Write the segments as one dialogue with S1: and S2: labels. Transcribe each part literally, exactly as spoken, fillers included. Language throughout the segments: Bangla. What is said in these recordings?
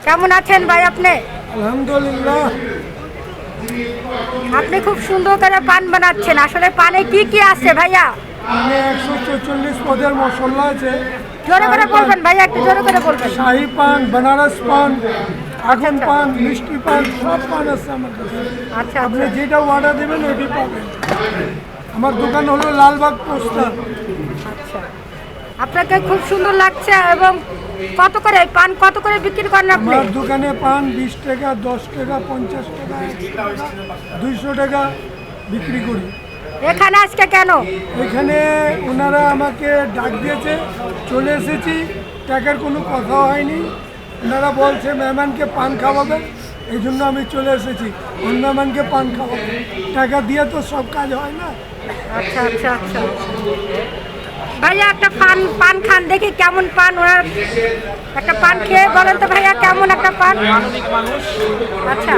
S1: কেমন আছেন ভাই আপনি?
S2: আলহামদুলিল্লাহ।
S1: আপনি খুব সুন্দর করে পান বানাচ্ছেন, আসলে পানে কি কি আছে ভাইয়া?
S2: মানে একশো চল্লিশ পদের মশলা আছে।
S1: জোরে করে বলবেন ভাইয়া, একটু জোরে করে বলবেন।
S2: শাহি পান, বেনারস পান, আগুন
S1: আচ্ছা।
S2: পান, মিষ্টি পান, সব পান আছে আমার কাছে।
S1: আচ্ছা
S2: আপনি
S1: আচ্ছা
S2: যেটা অর্ডার দেবেন ওইটি পাবেন। আমার দোকান হলো লালবাগ পোস্টার।
S1: আচ্ছা, আপনাকে খুব সুন্দর লাগছে। এবং কত করে এই পান কত করে বিক্রি করেন আপনি?
S2: আমার দোকানে পান বিশ টাকা, দশ টাকা, পঞ্চাশ টাকা, একশো টাকা, দুইশো টাকা বিক্রি করি।
S1: এখানে আজকে কেন?
S2: এখানে ওনারা আমাকে ডাক দিয়েছে, চলে এসেছি। টাকার কোনো কথা হয়নি। ওনারা বলছে মেহমানকে পান খাওয়াবে, এই জন্য আমি চলে এসেছি। অন্য মেহমানকে পান খাওয়াবো, টাকা দিয়ে তো সব কাজ হয় না।
S1: আচ্ছা আচ্ছা আচ্ছা ভাইয়া একটা পান পান খান দেখি কেমন পান। ওনার একটা পান খেয়ে বলেন তো ভাইয়া কেমন একটা পান।
S3: মানবিক মানুষ।
S1: আচ্ছা,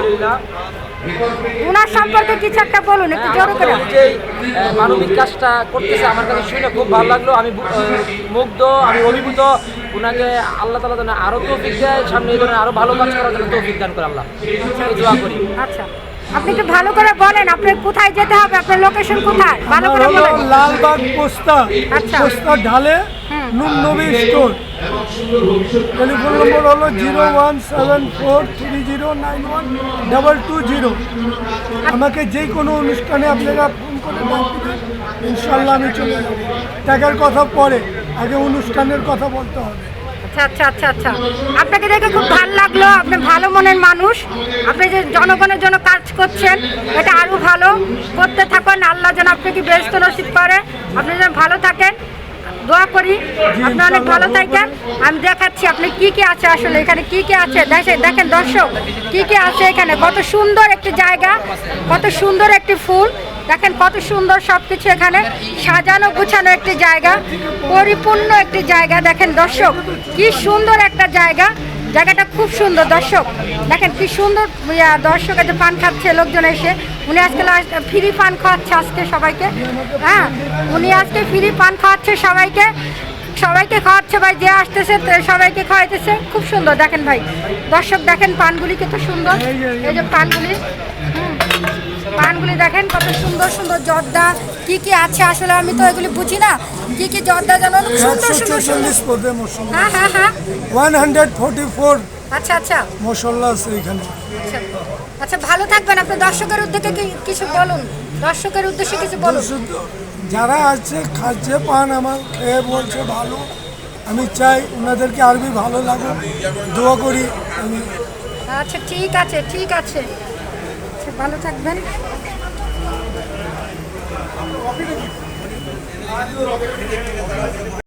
S1: ওনার সম্পর্কে কিছু একটা বলুন একটু জোরে করে।
S3: উনি যে আহ, মানবিক কাজটা করতেছে আমার কাছে শুনে খুব ভালো লাগলো। আমি বু- আহ, মুগ্ধ, আমি অভিভূত। ওনাকে আল্লাহ তাআলা যেন আরো তৌফিক দেয়, সামনে এই ধরনের আরো ভালো কাজ করার জন্য তৌফিক দান করে আল্লাহ। এই দোয়া করি।
S1: আচ্ছা, আপনি একটু ভালো করে বলেন আপনার কোথায় যেতে হবে, আপনার লোকেশন কোথায়, ভালো
S2: আমার
S1: করে
S2: হলো
S1: বলেন।
S2: লালবাগ পোস্তা,
S1: আচ্ছা।
S2: পোস্তা ঢালে
S1: হুম।
S2: নুন নবী স্টোর। টেলিফোন নম্বর হলো zero one seven four three zero nine one double two zero. আমাকে যে কোনো অনুষ্ঠানে আপনারা ফোন করে ডাক দিবেন, ইনশাল্লাহ আমি চলে যাবো। টাকার কথা পরে, আগে অনুষ্ঠানের কথা বলতে হবে।
S1: আচ্ছা আচ্ছা আচ্ছা আচ্ছা আপনাকে দেখে খুব ভালো লাগলো। আপনি ভালো মনের মানুষ। আপনি যে জনগণের জন্য কাজ করছেন, এটা আরো ভালো করতে থাকুন। আল্লাহ যেন আপনাকে ব্যস্ত নসিব করে, আপনি যেন ভালো থাকেন, দোয়া করি আপনি অনেক ভালো থাকেন। আমি দেখাচ্ছি আপনি কি কি আছে, আসলে এখানে কি কি আছে দেখেন দেখেন দর্শক, কি কি আছে এখানে। কত সুন্দর একটি জায়গা, কত সুন্দর একটি ফুল, দেখেন কত সুন্দর সব কিছু এখানে সাজানো গুছানো একটি জায়গা, পরিপূর্ণ একটি জায়গা। দেখেন দর্শক কি সুন্দর একটা জায়গা, জায়গাটা খুব সুন্দর। দর্শক দেখেন কি সুন্দর। ইয়া, দর্শক যে পান খাচ্ছে লোকজন এসে, উনি আজকে ফ্রি পান খাওয়াচ্ছে আজকে সবাইকে। হ্যাঁ, উনি আজকে ফ্রি পান খাওয়াচ্ছে সবাইকে, সবাইকে খাওয়াচ্ছে ভাই, যে আসতেছে তো সবাইকে খাওয়াইতেছে। খুব সুন্দর দেখেন ভাই, দর্শক দেখেন পানগুলি কত সুন্দর। এই যে পানগুলি, হুম, পানগুলি দেখেন কত সুন্দর সুন্দর জর্দা কি কি আছে, আসলে আমি তো এগুলি বুঝি না কি কি জর্দা জানো, সুন্দর
S2: একশো
S1: সুন্দর সুন্দর।
S2: ছেচল্লিশ পদে মশলা,
S1: হ্যাঁ হ্যাঁ হ্যাঁ
S2: ওয়ান হান্ড্রেড ফোর্টি ফোর
S1: আচ্ছা আচ্ছা
S2: মশলা আছে এখানে।
S1: আচ্ছা আচ্ছা ভালো থাকবেন। আপনি দর্শকের উদ্দেশ্যে কি- কিছু বলুন, দর্শকের উদ্দেশ্যে কিছু বলুন।
S2: শুধু যারা আছে খাচ্ছে পান আমার খেয়ে বলছে ভালো, আমি চাই ওনাদেরকে আরবি ভালো লাগুক, দোয়া করি আমি।
S1: আচ্ছা ঠিক আছে ঠিক আছে, আচ্ছা, ভালো থাকবেন।